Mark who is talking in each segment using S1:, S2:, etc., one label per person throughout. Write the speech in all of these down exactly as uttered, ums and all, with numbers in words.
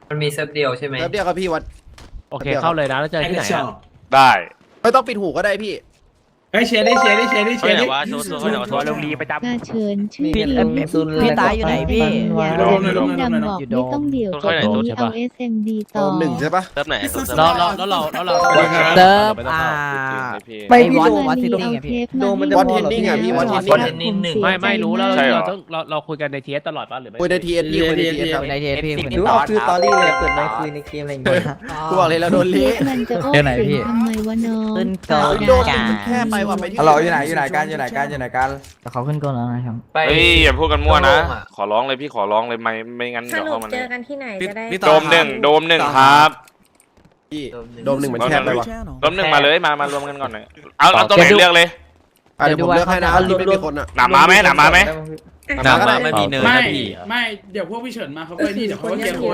S1: มันมีเซิร์ฟเดียวใช่ไหม
S2: เซิร์ฟเดียวครับพี่วัด
S3: โอเคเข้าเลยนะแล้วเจอที่ไหนอะ
S4: ได้
S2: ไม่ต้องปิดหูก็ได้พี่
S5: เฮ้ยเชียร์ดิเชียร์ดิเชียร์ดิเชียร์ดิ
S4: ว่าโชว์โชว์โชว์ลงดีไปจับ
S6: กาเชิญชื่อ
S7: พี่
S6: ทีม
S7: พี่ตายอยู่ไหนพี่
S6: อย่า
S5: โด
S6: เรีย
S5: ม
S6: น
S5: เลยโดม
S6: พี่
S5: เลย
S6: ดำบอกไม่ต้องเดี่ยวจบนี้เอา เอส เอ็ม ดี
S2: โด
S6: ต่อ
S2: มหนึ่งใช่ปะ
S4: เติมไหน
S3: แล้วเราแล้วเราแล้วเรา
S7: เซิร์ฟอ่า
S8: ไม่
S7: ไอ้
S8: พี่
S7: วอต
S8: โด
S7: วอต
S6: มี
S7: ซิตี้
S6: เอา
S7: ไง
S6: เท
S7: พี่
S6: ปมา
S2: บอลเทนนิ่งอ่ะพี่บอลเทน
S1: บอล
S2: นิ่ง
S1: เทนนิ่งหนึ่ง
S3: ไม่ไม่รู้แล้ว
S4: ใช่เหรอ
S3: เราต้องเราเราคุยกันในทีเอสตลอดป่ะหรือไม่
S2: คุยในทีเอ็นพี่คุยในทีเอ็นครับ
S7: ในเทปพี่
S8: หรือว่าคือตอรี่เลยเปิดไมค์คุยในเกมอะไรอย่างเงี้ย
S2: กูบอกเลยเราโดน
S6: เท
S2: เละ
S6: ปมันจะโอ้
S7: เดี๋ยวไหนพี่
S6: เสียงทำไมวะน้อง
S7: ขึ้นก่อน
S2: โดนมันแค่ไปว่ะไปที่
S8: ฮัลโหลอยู่ไหนอยู่ไหนกันอยู่ไหนกันอยู่ไหนกัน
S7: เขาขึ้นก่อนแล้วนะครับ
S1: ไป
S4: เฮ้ยอย่าพูดกันมั่วนะ
S1: โดมอะ
S4: ขอร้องเลยพี่ขอร้องเลยไม่ไม่งั้น
S9: ส
S4: เดี๋ยว
S9: รุ
S4: เข้า
S9: ป
S4: มา
S9: เจ
S4: เล
S9: อย กันที่ไหนจะได้
S4: โดมหนึ่งโดมหนึ่งครับ
S2: พี่โดมหนึ่งมันแคบไปว่ะ
S4: โดมหนึ่งมาเลยมามารวมกันก่อนหน่อยเอาเอาตัวไหนเลือกเลย
S2: อ่ะเดี๋ยวผมเลือกให้นะที่ไม่มีคนอ่ะ
S4: หนามาไหมหนามาไหม
S2: หนามา
S3: ไม่มีเนิน
S5: ไม่
S3: นะพี่
S5: ไม่เดี๋ยวพวกพี่เฉินมาเขาไปนี่เดี๋ยวเขาก็เกียร์คน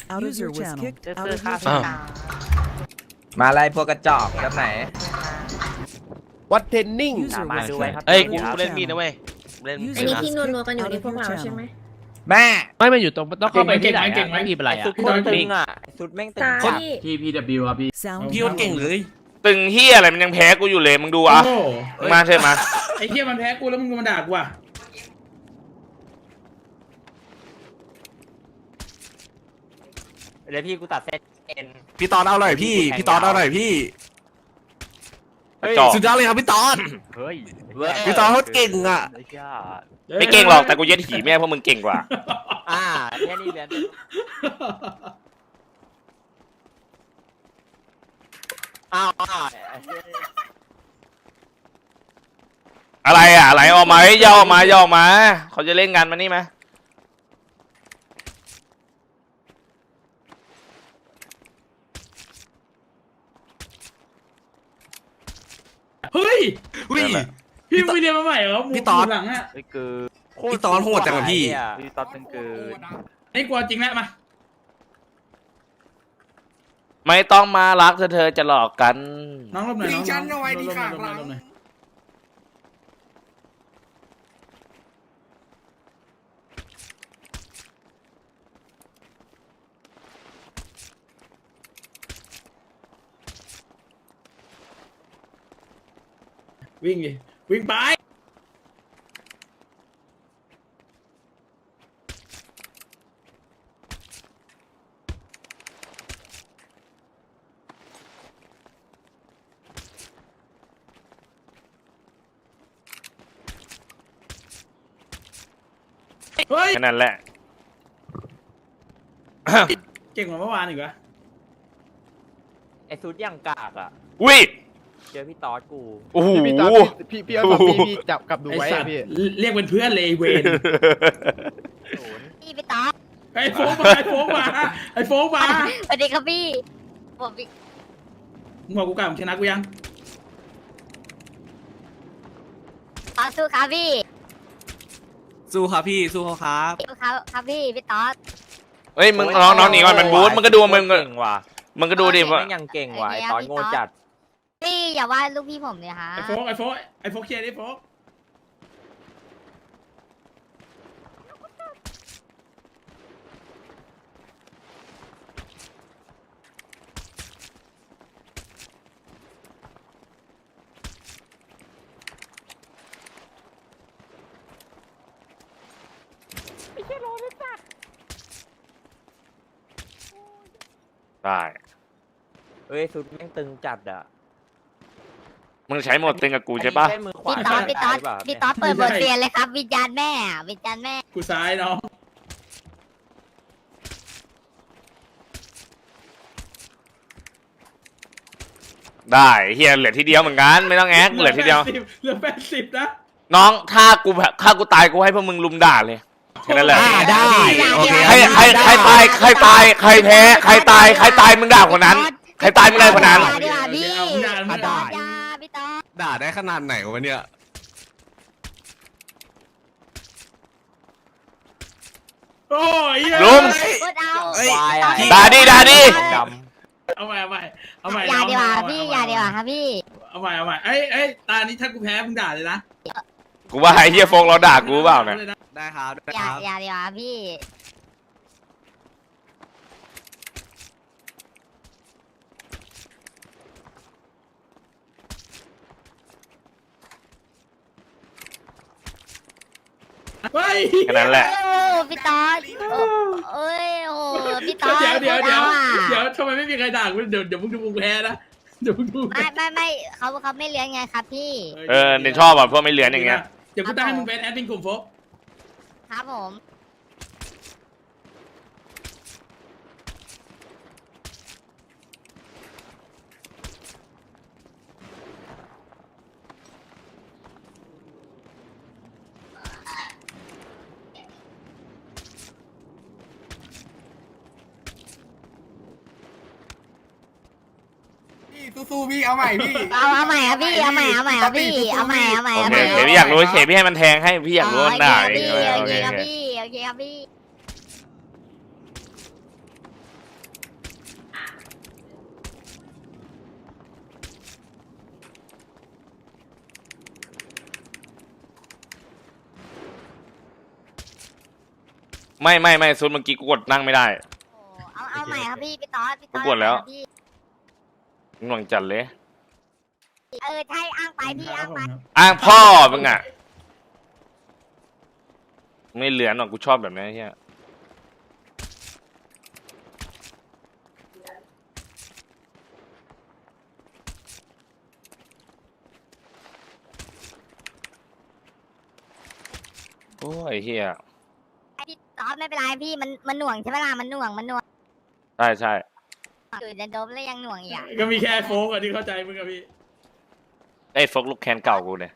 S8: มาอะไรพวกกระจอกแบบไหน
S2: วัดเทนนิ่ง
S8: มาดูไว้ครับ
S4: เอ้ยกูกูเล่นมีดนะเว้ยเล่น
S9: อันนี้ที่นัวๆกันอยู่ในพวกเราใช่ไหม
S8: แม่
S3: ไม่มันอยู่ตรงต้องเข้าไปที่ไหนอะไม่มีอะไรอะ
S8: สุดโคตรตึงอ่ะสุดแม่งตึง
S9: ตา
S8: จัด
S9: ที่
S3: พี่พีดับบิวครับพี่
S5: พี่คนเก่งเลย
S4: ตึงเฮียอะไรมันยังแพ้กูอยู่เลยมึงดูอ่ะ
S5: โอ้
S4: มึงมาเชิญมา
S5: ไอ้เหี้ยมันแพ้กูแล้วมึงมาด่ากูอ่ะ
S8: เดี๋ยวพี่กูตัดเส้นเอ็น
S10: พี่ตอนเอาหน่อยพี่ พี่ตอนเอาหน่อยพี่
S4: จอก
S10: สุดยอดเลยครับพี่ตอน
S4: เฮ้ย
S10: พี่ตอนเขาเก่งอ่ะ
S4: ไม่เก่งหรอกแต่กูเย็ดหีแม่พวกมึงเก่งกว่า
S8: อ่าแค่นี้เหรียญ อ้าวอ้าว
S4: อะไรอ่ะอะไรออกมาเฮ้ยย่อออกมาย่อออกมาเขาจะเล่นกันมานี่ไหม
S5: เฮ้ย
S10: อุ้ย
S5: พี่มึงเรียนมาใหม่เหรอ
S10: พี่ตอด
S5: หลังอ่ะ
S10: พี่ตอนโหดจังอะพี่
S8: พี่ตอนเป็นเกิน
S5: นี่กลัวจริงแล้วมา
S4: ไม่ต้องมารักเธอเธอจะหลอกกัน
S5: น้องรบหน่อยน้อง
S10: ฉันเอาไว้ที่ข้างหลัง
S5: รบหน่อย วิ่งดิวิ่งไปเฮ้ย
S4: แค่นั้นแหละ
S5: เก่งกว่าเมื่อวานอีกวะ
S8: ไอ้สุดอย่างกากอ่ะ
S4: อุ้ย
S8: เจอพี่ตอดกู
S4: โอ้โห
S2: พี่ตอนพี่พี่เอาพี่พี่จับกับดู
S5: ไอ้
S2: ไว้
S5: สั
S2: อะ
S5: ตว์
S2: พี่
S5: เรียกเป็นเพื่อนเลยไอ้เวน
S6: พี่ไปต่อ
S5: ไอ้โฟกมาไอ้โฟกมาไอ้โฟกมา
S6: สวัสดีครับพี่ผมพี่
S5: มึงบอกกูกล้ามึงชนะกูยัง
S6: ต่อสู้ครับพี่
S10: สู้ครับพี่ สู้เขาครับ
S6: สู้ครับครับพี่พี่ต่อ
S4: เฮ้ยมึงน้องน้องหนีก่อนมันบูทมึงก็ดูมึงก็
S8: เก่งว่ะ
S4: มึงก็ดูดิว่า
S8: แม่งยังเก่งว่ะไอ้ตอนโง่จัด
S6: พี่อย่าว่าลูกพี่ผมเลยฮะ
S5: ไอ้โฟกไอ้โฟกไอ้โฟกเชียร์ดิโฟก
S4: ได้
S8: เฮ้ยสุดแม่งตึงจัดอ่ะ
S4: มึงใช้หมดตึงกับกูใช่ปะ
S8: อันนี้เป็นมือขวา
S6: พี่ต๊อดพี่ต๊อด
S8: ใช่ปะ
S6: พี่ต๊อดเปิดบทเรียนเลยครับ วิญญาณแม่วิญญาณแม่
S5: กูซ้ายน้อง
S4: ได้เฮียเหลือทีเดียวเหมือนกันไม่ต้องแอ๊กเหลือทีเดียว
S5: เหลือแปดสิบนะ
S4: น้องถ้ากูถ้ากูตายกูให้พวกมึงลุมด่าเลยแค่นั้นแหละ
S10: อ่าได้โอเค
S4: ใครใครใครตายใครตายใครแพ้ใครตายใครตายมึงด่าคนนั้น ใครตายมึงได้คนนั้น
S6: อย่าดีกว่าพี่
S5: เอาด่ามึง
S6: อย่า
S5: ด่า
S6: อย่าพี่ต๊อด
S10: ด่าได้ขนาดไหนวะเนี่ย
S5: โอ้ยเหี้ย
S4: ลุง
S6: พูดเอา
S10: เอ้ย
S8: ควายอ่ะ
S4: ด่าดิด่าดิ
S8: ด
S5: เอาใหม่เอาใหม่เอาใหม่
S6: อย่าดีกว่า
S5: เอใหม่
S6: พี่
S5: เใหม่
S6: อย่าดีกว่าครับพี่
S5: เอาใหม่เอาใหม่เอ้ยเอ้ยตานี้ถ้ากูแพ้มึงด่าเลยนะ
S4: กูว่าไอ้เฮียโฟงเราด่ากูเปล่าเนี่ย
S10: ได้ครับ ได้
S6: อย่า
S10: ครับ
S6: อย่าดีกว่าพี่
S5: เฮ้ย
S4: แค่นั้นแหละ
S6: โอ้พี่ต๊อดโอ้เอ้ยโอ้พี่ต๊อด
S5: เดี๋ยวเดี๋ยวเดี๋ยว
S6: พูอา
S5: เดี๋ยวทำไมไม่มีใครด่ากูเดี๋ยวเดี๋ยวมึงดูมึงแพ้นะเดี๋ยวมึงดู
S6: ไม่ไม่ไม่เขาเขาไม่เลี้ยงไงครับพี่
S4: เออเดี๋ยวชอบอ่ะพวกไม่เลือนอย่างเงี้ย
S5: เดี๋ยวกูตั้งให้มึงเป็นแอดมินกลุ่มโฟก
S6: ครับผม
S10: สู้ๆพี่เอาใหม่พี่
S6: เอาเอาใหม่ครับพี่เอาใหม่เอาใหม่ครับพี่เอาใหม่เอาใหม่
S4: โอ
S6: เอา
S4: เค
S6: ใหม่
S4: เฉยพี่อยากรู้เฉยพี่ให้มันแทงให้พี่อยากรู้ว่าด่า
S6: โอ
S4: เอ
S6: เค
S4: ง
S6: โอ
S4: โอ
S6: เค
S4: เค
S6: ครับพี่โอเคครับพี่
S4: ไม่ไม่ไม่ซุดเมื่อกี้กูกดนั่งไม่ได้
S6: โอ้เอาเอาใหม่ครับพี่พี่ต๊อดพี่ต๊อด
S4: กูกดแล้ว
S6: เอาใหม่ครับพี่
S4: หน่วงจัดเลย
S6: เออใช่อ้างไปพี่อ้างไป
S4: อ้างพ่อมึงอ่ะไม่เหลือนหรอกกูชอบแบบนี้เฮียโอ้ยเฮีย
S6: พี่ต๊อดไม่เป็นไรพี่มันมันหน่วงใช่ไหมล่ะมันหน่วงมันหน่วง
S4: ใช่ใช่
S6: อยู่ในโดมแล้วยังหน่วงอีกอ่ะ
S5: ก็มีแค่โฟกอะที่เข้าใจมึงอะพี่
S4: ไอ้ฟกลูกแคนเก่ากูเนี่ย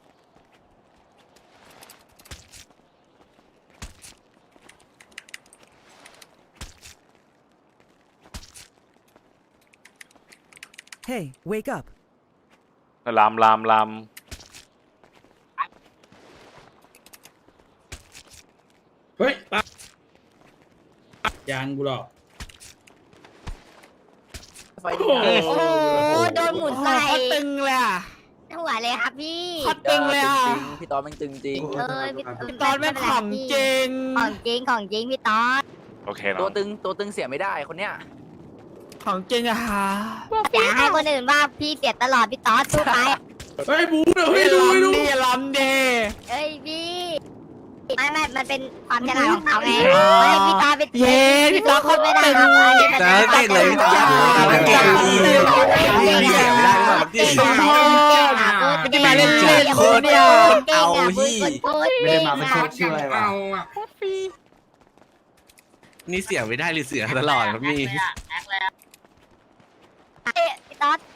S7: Hey wake up
S4: ลามลามลาม
S5: เฮ้ยตายังกูหรอกโอ้โห
S6: โอ้โหโดนหมุนใส่
S7: ตึงเลยอ่ะ
S6: หัวเลยครับพี่
S7: ตึงเลยอ่ะ
S8: พี่ตอนมันตึงจริง
S6: เออพี่
S7: พี่ต๊อดแม่งของจริง
S6: ของจริงของจริงพี่ต๊อด
S4: โอเค
S8: ตั
S4: เนาะ
S8: วตึงตัวตึงเสียไม่ได้คนเนี้ย
S7: ของจริงอะฮะ
S6: อย่าให้คนอื่นว่าพี่เสียตลอดพี่ต๊อดสู้ไป
S5: เฮ้ยบูเฮ้ยดูดู
S7: ดีล้ำดี
S6: เอ้ยพี่ไม่ไม่มันเป็นความฉลาดของเขาไงเฮ้ยพี่ต๊อดไป
S7: เย้พี่ต๊อดเขา
S6: ไม่ได้
S7: ตึง
S6: ครับอันนี้มัน
S10: แต่เก่งเลยพี่ต๊อด
S6: เก่ง
S10: เก่งเก่งไม่ได้หรอกพี่
S6: เก่งอ่ะพูด
S7: จะมาเล่นเล่นโคตรเนี่ย
S6: เอาพี่ไม่ได้มาเป็นโค้ชช่วย
S10: เอาอ่ะนี่เสียไม่ได้หรือเสียตลอดครับพี่
S6: พี่ต๊อด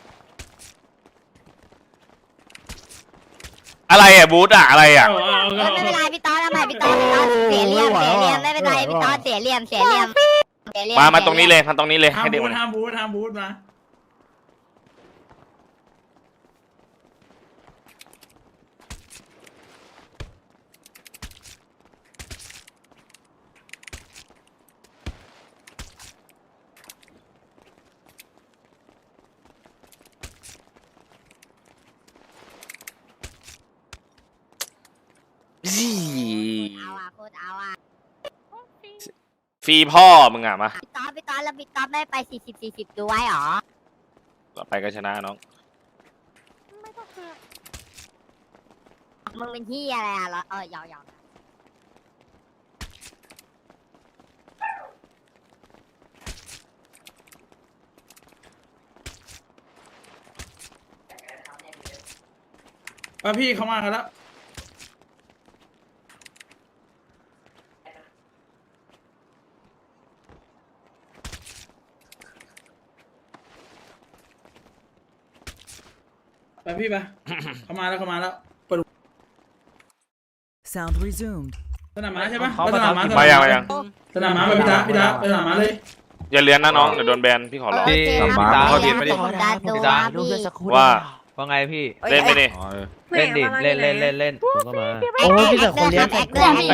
S4: อะไรอ่ะบูธอ่ะอะไรอ่ะ
S5: เอาเอา
S6: เอ
S5: เอา
S6: อไม่เป็นไรพี่ต๊อดทำไมพี่ต๊อดพี่ต๊อดเสียเหลี่ยมเสียเหลี่ยมไม่เป็นไรพี่ต๊อดเสียเหลี่ยมเสียเหลี่ยมเสียเหลี่ยม
S4: มามาตรงนี้เลยมาตรงนี้เลย
S5: ห้าม
S4: ให้เด็ก
S5: บู
S4: มั
S5: ท
S4: น
S5: ห้ามบูทห้ามบูทมา
S6: เอาอ่ะโคตรเอาอ่ะ
S4: ฟรีพ่อมึงอ่ะมา
S6: พี่ต๊อดพี่ต๊อดแล้วพี่ต๊อดไม่ไปสี่สิบสี่สิบดูไว้หรอ
S4: ต่อไปก็ชนะน้อง
S6: มึงเป็นที่อะไรอ่ะเออยาวยาว
S5: อ่ะพี่เข้ามากันแล้วไปพี่ไป เข้ามาแล้วเข้ามาแล้วเปิด
S7: Sound resumed
S5: สนามม้าใช่ปะ
S3: เขา
S5: ไป
S3: มา
S5: สนามม้า
S3: ทำ
S5: สนาม
S4: มา
S5: ม้า
S4: ยังมายัง
S5: สนามม้าไปพี่ตาพี่ตาไปสนามม้าเลย
S4: อย่าเลือนนะน้องเดี๋ยวโดนแบนพี่ขอร้อง
S6: โอเคครับ
S3: พี่ต๊อด
S6: ผม
S3: พี่
S6: ไม่
S3: ต๊อด
S6: ได้ดู
S3: พี่ต๊อด
S6: พี่
S4: ว่า
S3: ว่าไงพี่
S4: เล่นไปดิ
S3: เล่นดิเล่นเล่นเล่นเล่นผมก็มา
S6: โอ้ยพี่แต่คนเลี้ยงแอคด้วย